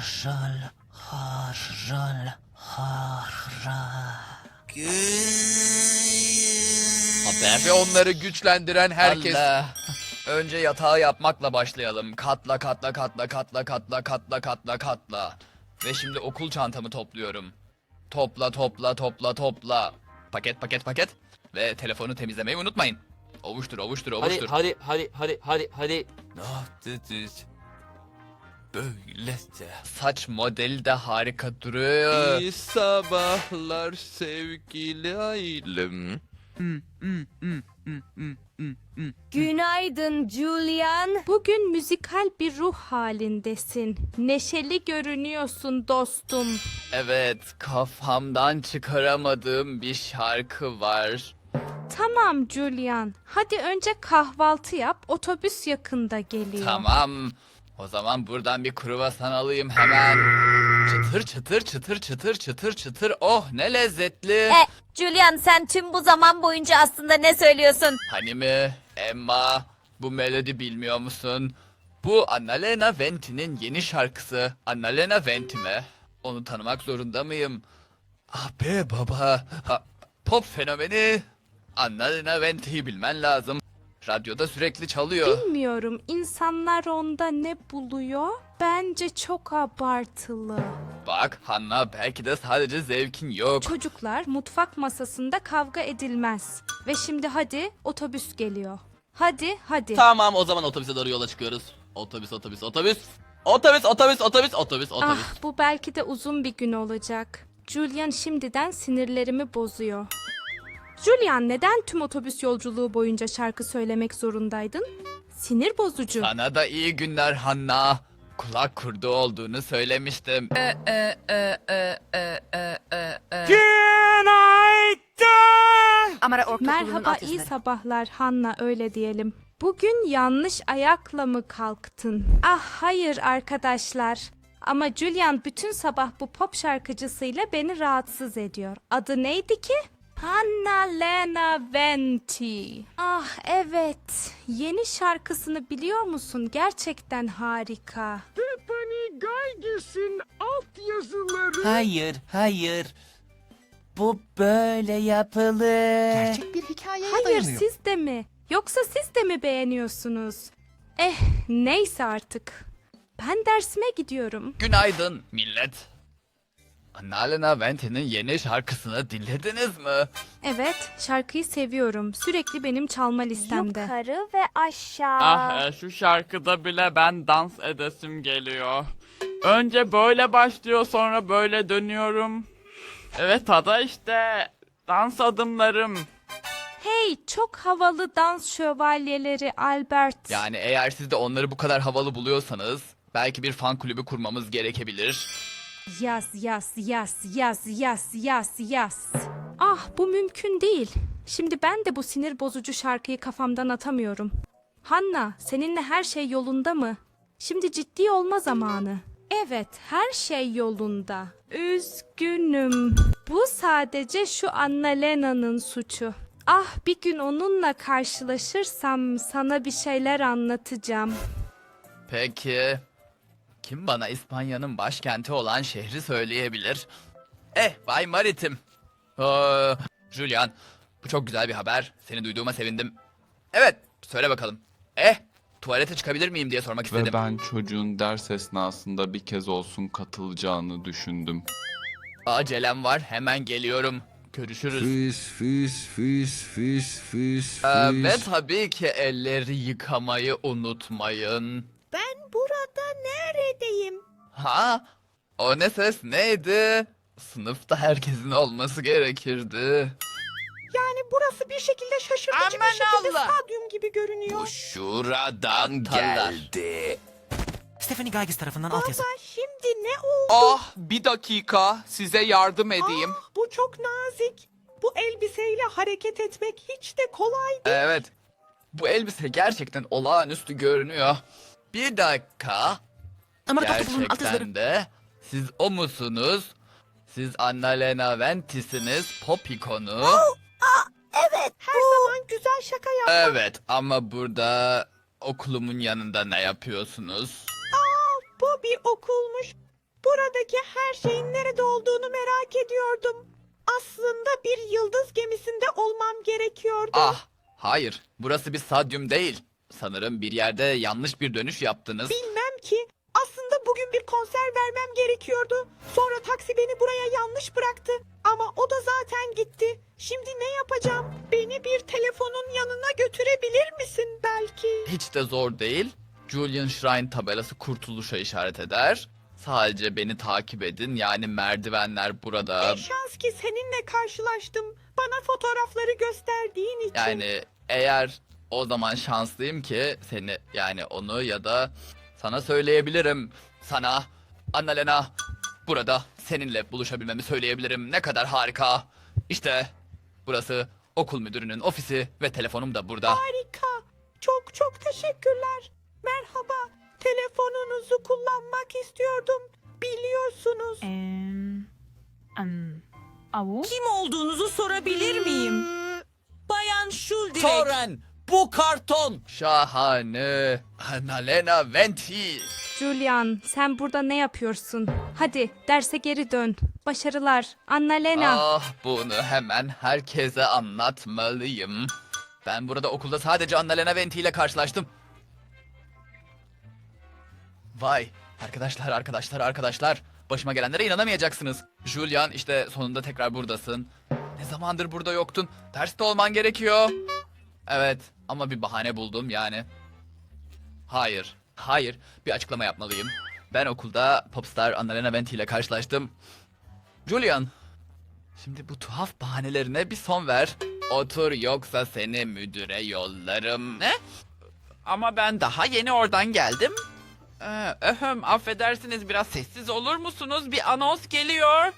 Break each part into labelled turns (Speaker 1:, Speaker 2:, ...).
Speaker 1: Harral, harral, harral.
Speaker 2: Ve onları güçlendiren herkes.
Speaker 3: Allah. Önce yatağı yapmakla başlayalım. Katla katla katla katla katla katla katla katla. Ve şimdi okul çantamı topluyorum. Topla topla topla topla. Paket paket paket. Ve telefonu temizlemeyi unutmayın. Ovuştur ovuştur ovuştur.
Speaker 2: Hadi.
Speaker 3: Böylece. Saç modeli de harika duruyor.
Speaker 2: İyi sabahlar sevgili ailem.
Speaker 4: Günaydın Julian. Bugün müzikal bir ruh halindesin. Neşeli görünüyorsun dostum.
Speaker 3: Evet, kafamdan çıkaramadığım bir şarkı var.
Speaker 4: Tamam Julian. Hadi önce kahvaltı yap. Otobüs yakında geliyor.
Speaker 3: Tamam. O zaman buradan bir kruvasan alayım hemen. Çıtır çıtır çıtır çıtır çıtır çıtır. Oh ne lezzetli.
Speaker 5: Julian, sen tüm bu zaman boyunca aslında ne söylüyorsun?
Speaker 3: Hani mi? Emma, bu melodi bilmiyor musun? Bu Annalena Venti'nin yeni şarkısı. Annalena Venti mi? Onu tanımak zorunda mıyım? Ah be baba. Pop fenomeni. Annalena Venti'yi bilmen lazım. Radyoda sürekli çalıyor.
Speaker 4: Bilmiyorum, insanlar onda ne buluyor? Bence çok abartılı.
Speaker 3: Bak Hanna, belki de sadece zevkin yok.
Speaker 4: Çocuklar, mutfak masasında kavga edilmez. Ve şimdi hadi, otobüs geliyor. Hadi.
Speaker 2: Tamam, o zaman otobüse doğru yola çıkıyoruz. Otobüs. Otobüs.
Speaker 4: Ah, bu belki de uzun bir gün olacak. Julian şimdiden sinirlerimi bozuyor. Julian, neden tüm otobüs yolculuğu boyunca şarkı söylemek zorundaydın? Sinir bozucu.
Speaker 3: Sana da iyi günler Hanna. Kulak kurdu olduğunu söylemiştim.
Speaker 4: Merhaba, iyi sabahlar Hanna, öyle diyelim. Bugün yanlış ayakla mı kalktın? Ah hayır arkadaşlar. Ama Julian bütün sabah bu pop şarkıcısıyla beni rahatsız ediyor. Adı neydi ki? Annalena Venti. Ah evet. Yeni şarkısını biliyor musun? Gerçekten harika.
Speaker 1: Stephanie Guyges'in altyazıları.
Speaker 6: Hayır. Bu böyle yapılır.
Speaker 1: Gerçek bir hikayeye
Speaker 4: Hayır,
Speaker 1: dayanıyor.
Speaker 4: siz de mi? Yoksa siz de mi beğeniyorsunuz? Neyse artık. Ben dersime gidiyorum.
Speaker 3: Günaydın millet. Annalena Venti'nin yeni şarkısını dinlediniz mi?
Speaker 4: Evet, şarkıyı seviyorum. Sürekli benim çalma listemde.
Speaker 5: Yukarı ve aşağı.
Speaker 7: Şu şarkıda bile ben dans edesim geliyor. Önce böyle başlıyor, sonra böyle dönüyorum. Evet, ada işte. Dans adımlarım.
Speaker 4: Hey, çok havalı dans şövalyeleri Albert.
Speaker 3: Yani eğer siz de onları bu kadar havalı buluyorsanız belki bir fan kulübü kurmamız gerekebilir.
Speaker 4: Yaz. Ah, bu mümkün değil. Şimdi ben de bu sinir bozucu şarkıyı kafamdan atamıyorum. Hanna, seninle her şey yolunda mı? Şimdi ciddi olma zamanı. Evet, her şey yolunda. Üzgünüm. Bu sadece şu Annalena'nın suçu. Ah, bir gün onunla karşılaşırsam sana bir şeyler anlatacağım.
Speaker 3: Peki kim bana İspanya'nın başkenti olan şehri söyleyebilir? Bay Maritim. Julian, bu çok güzel bir haber. Seni duyduğuma sevindim. Evet, söyle bakalım. Tuvalete çıkabilir miyim diye sormak istedim.
Speaker 8: Ve ben çocuğun ders esnasında bir kez olsun katılacağını düşündüm.
Speaker 3: Acelem var, hemen geliyorum. Görüşürüz.
Speaker 9: Füs.
Speaker 3: Ve tabii ki elleri yıkamayı unutmayın.
Speaker 5: Ben burada neredeyim?
Speaker 3: Ha? O ne ses neydi? Sınıfta herkesin olması gerekirdi.
Speaker 1: Yani burası bir şekilde şaşırtıcı bir şekilde stadyum gibi görünüyor.
Speaker 3: Bu şuradan
Speaker 6: geldi.
Speaker 1: Stephanie Guyges tarafından altyazı.
Speaker 5: Baba, şimdi ne oldu?
Speaker 2: Ah, bir dakika, size yardım edeyim.
Speaker 1: Bu çok nazik. Bu elbiseyle hareket etmek hiç de kolay değil.
Speaker 3: Evet. Bu elbise gerçekten olağanüstü görünüyor. Bir dakika. Gerçekten de siz o musunuz? Siz Annalena Venti'siniz, pop ikonu.
Speaker 5: Evet,
Speaker 1: Her zaman güzel şaka yap.
Speaker 3: Evet ama burada okulumun yanında ne yapıyorsunuz?
Speaker 1: Bu bir okulmuş. Buradaki her şeyin nerede olduğunu merak ediyordum. Aslında bir yıldız gemisinde olmam gerekiyordu.
Speaker 3: Ah, hayır. Burası bir stadyum değil. Sanırım bir yerde yanlış bir dönüş yaptınız.
Speaker 1: Bilmem ki. Aslında bugün bir konser vermem gerekiyordu. Sonra taksi beni buraya yanlış bıraktı. Ama o da zaten gitti. Şimdi ne yapacağım? Beni bir telefonun yanına götürebilir misin belki?
Speaker 3: Hiç de zor değil. Julian Shrine tabelası kurtuluşa işaret eder. Sadece beni takip edin. Yani merdivenler burada.
Speaker 1: Ne şans ki seninle karşılaştım. Bana fotoğrafları gösterdiğin için.
Speaker 3: Yani eğer o zaman şanslıyım ki seni yani onu ya da sana söyleyebilirim. Sana Annalena burada seninle buluşabilmemi söyleyebilirim. Ne kadar harika. İşte burası okul müdürünün ofisi ve telefonum da burada.
Speaker 1: Harika. Çok çok teşekkürler. Merhaba. Telefonunuzu kullanmak istiyordum. Biliyorsunuz.
Speaker 9: Kim olduğunuzu sorabilir miyim? Bayan Şuldirek.
Speaker 6: Toren, bu karton.
Speaker 3: Şahane. Annalena Venti.
Speaker 4: Julian, sen burada ne yapıyorsun? Hadi derse geri dön. Başarılar. Annalena.
Speaker 3: Ah, bunu hemen herkese anlatmalıyım. Ben burada okulda sadece Annalena Venti ile karşılaştım. Vay, arkadaşlar. Başıma gelenlere inanamayacaksınız. Julian, işte sonunda tekrar buradasın. Ne zamandır burada yoktun? Derste olman gerekiyor. Evet, ama bir bahane buldum yani. Hayır, bir açıklama yapmalıyım. Ben okulda popstar Annalena Venti ile karşılaştım. Julian, şimdi bu tuhaf bahanelerine bir son ver. Otur yoksa seni müdüre yollarım.
Speaker 7: Ne? Ama ben daha yeni oradan geldim. Affedersiniz, biraz sessiz olur musunuz? Bir anons geliyor.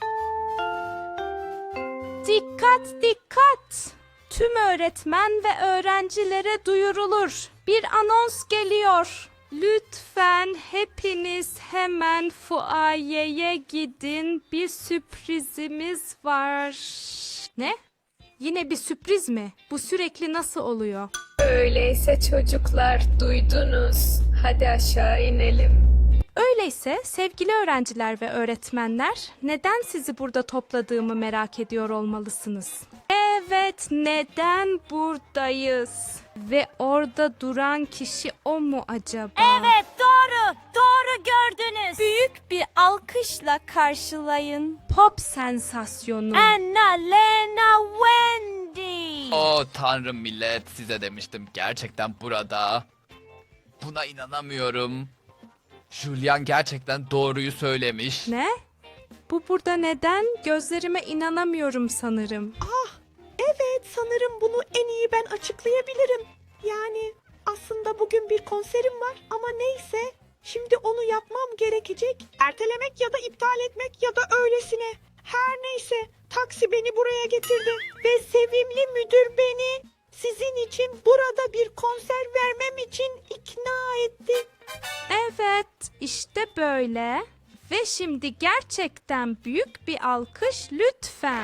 Speaker 4: Dikkat! Tüm öğretmen ve öğrencilere duyurulur. Bir anons geliyor. Lütfen hepiniz hemen fuayeye gidin. Bir sürprizimiz var. Ne? Yine bir sürpriz mi? Bu sürekli nasıl oluyor?
Speaker 10: Öyleyse çocuklar duydunuz. Hadi aşağı inelim.
Speaker 4: Öyleyse sevgili öğrenciler ve öğretmenler, neden sizi burada topladığımı merak ediyor olmalısınız. Evet, neden buradayız? Ve orada duran kişi o mu acaba?
Speaker 5: Evet, doğru gördünüz. Büyük bir alkışla karşılayın.
Speaker 4: Pop sensasyonu.
Speaker 5: Annalena Wendy.
Speaker 3: Oh tanrım millet, size demiştim gerçekten burada. Buna inanamıyorum. Julian gerçekten doğruyu söylemiş.
Speaker 4: Ne? Bu burada neden? Gözlerime inanamıyorum sanırım.
Speaker 1: Evet, sanırım bunu en iyi ben açıklayabilirim. Yani aslında bugün bir konserim var ama neyse. Şimdi onu yapmam gerekecek. Ertelemek ya da iptal etmek ya da öylesine. Her neyse, taksi beni buraya getirdi ve sevimli müdür beni sizin için burada bir konser vermem için ikna etti.
Speaker 4: Evet, işte böyle. Ve şimdi gerçekten büyük bir alkış lütfen.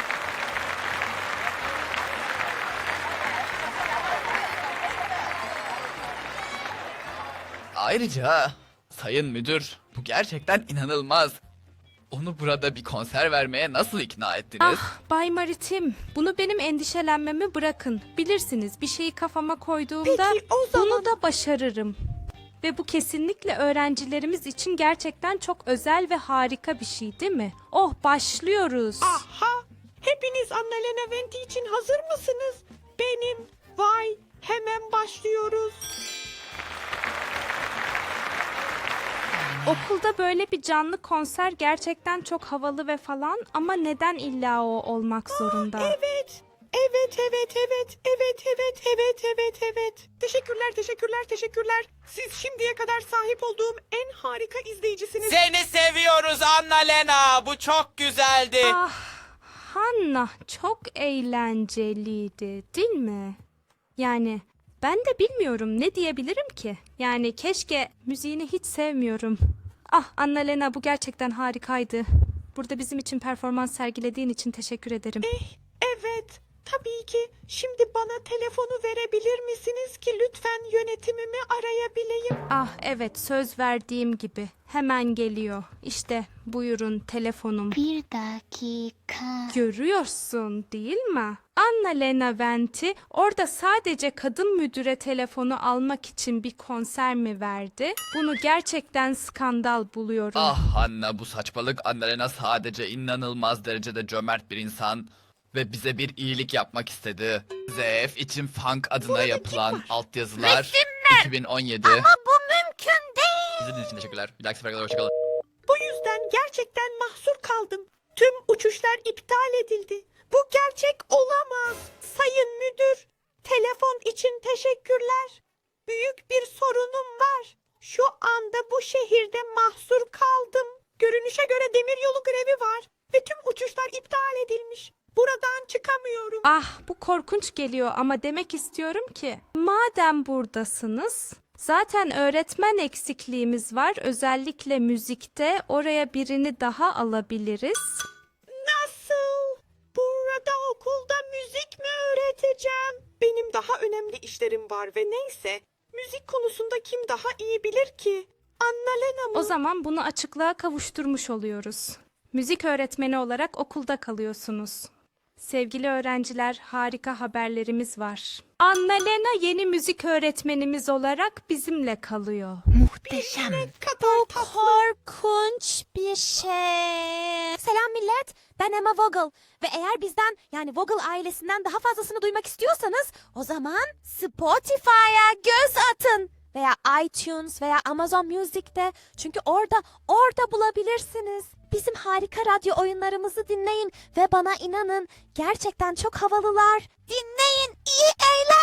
Speaker 3: Ayrıca sayın müdür, bu gerçekten inanılmaz. Onu burada bir konser vermeye nasıl ikna ettiniz?
Speaker 4: Ah, Bay Maritim, bunu benim endişelenmemi bırakın. Bilirsiniz, bir şeyi kafama koyduğumda
Speaker 1: Peki, o zaman-
Speaker 4: bunu da başarırım. Ve bu kesinlikle öğrencilerimiz için gerçekten çok özel ve harika bir şey, değil mi? Oh, başlıyoruz.
Speaker 1: Aha! Hepiniz Annalena Venti için hazır mısınız? Benim. Vay! Hemen başlıyoruz.
Speaker 4: Okulda böyle bir canlı konser gerçekten çok havalı ve falan ama neden illa o olmak zorunda?
Speaker 1: Evet. Evet. Teşekkürler. Siz şimdiye kadar sahip olduğum en harika izleyicisiniz.
Speaker 6: Seni seviyoruz Annalena. Bu çok güzeldi.
Speaker 4: Ah, Hanna çok eğlenceliydi, değil mi? Yani ben de bilmiyorum ne diyebilirim ki. Yani keşke müziğini hiç sevmiyorum. Ah Annalena bu gerçekten harikaydı. Burada bizim için performans sergilediğin için teşekkür ederim.
Speaker 1: Evet. Tabii ki. Şimdi bana telefonu verebilir misiniz ki lütfen yönetimimi arayabileyim?
Speaker 4: Ah evet, söz verdiğim gibi. Hemen geliyor. İşte buyurun telefonum.
Speaker 5: Bir dakika.
Speaker 4: Görüyorsun değil mi? Anna-Lena Venti orada sadece kadın müdüre telefonu almak için bir konser mi verdi? Bunu gerçekten skandal buluyorum.
Speaker 3: Ah Hanna, bu saçmalık. Annalena sadece inanılmaz derecede cömert bir insan ve bize bir iyilik yapmak istedi. ZF için funk adına yapılan altyazılar 2017.
Speaker 5: Ama bu mümkün değil.
Speaker 3: İzlediğiniz için teşekkürler. Bir dahaki sefere kadar hoşçakalın.
Speaker 1: Bu yüzden gerçekten mahsur kaldım. Tüm uçuşlar iptal edildi. Bu gerçek olamaz. Sayın müdür, telefon için teşekkürler. Büyük bir sorunum var. Şu anda bu şehirde mahsur kaldım. Görünüşe göre demiryolu grevi var ve tüm uçuşlar iptal edilmiş. Buradan çıkamıyorum.
Speaker 4: Ah bu korkunç geliyor ama demek istiyorum ki madem buradasınız zaten öğretmen eksikliğimiz var, özellikle müzikte, oraya birini daha alabiliriz.
Speaker 1: Nasıl? Burada okulda müzik mi öğreteceğim? Benim daha önemli işlerim var ve neyse. Müzik konusunda kim daha iyi bilir ki? Anna-Lena mı?
Speaker 4: O zaman bunu açıklığa kavuşturmuş oluyoruz. Müzik öğretmeni olarak okulda kalıyorsunuz. Sevgili öğrenciler, harika haberlerimiz var. Anna-Lena yeni müzik öğretmenimiz olarak bizimle kalıyor.
Speaker 5: Muhteşem.
Speaker 1: kadar tatlı.
Speaker 5: Korkunç bir şey. Selam millet. Ben Emma Vogel. Ve eğer bizden yani Vogel ailesinden daha fazlasını duymak istiyorsanız o zaman Spotify'a göz atın. Veya iTunes veya Amazon Music'te. Çünkü orada bulabilirsiniz. Bizim harika radyo oyunlarımızı dinleyin ve bana inanın gerçekten çok havalılar. Dinleyin, iyi eğlen.